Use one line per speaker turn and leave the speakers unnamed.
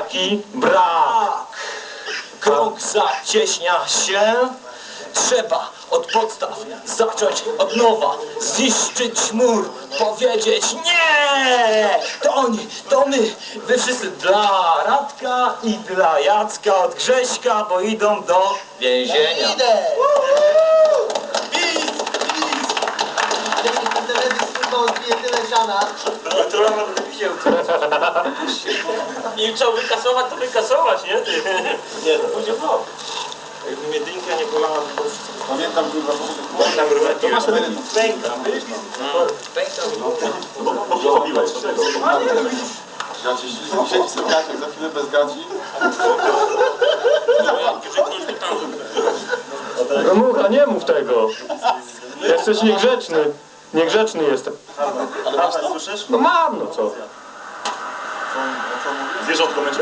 taki brak. Krąg zacieśnia się. Trzeba od podstaw zacząć od nowa, zniszczyć mur, powiedzieć nie! To oni, to my, wy wszyscy dla Radka i dla Jacka od Grześka, bo idą do więzienia.
Idę! Pis! Dzięki tym teledysk tylko odbije tyle siana.
Milczał wykasować, to wykasować, nie?
Nie, to pójdzie w rok. Jakby mnie dynka nie bolała, to wszystko.
Pamiętam, kurwa,
Pamiętam rurę. To masz
pęka.
Bo robiłeś.
Gaci, siedzi sobie Jacek, za chwilę bez gaci.
No Mucha, nie mów tego. Jesteś niegrzeczny. Niegrzeczny jestem.
Ale masz to, słyszysz?
No mam, no co?
Zwierzątko będzie.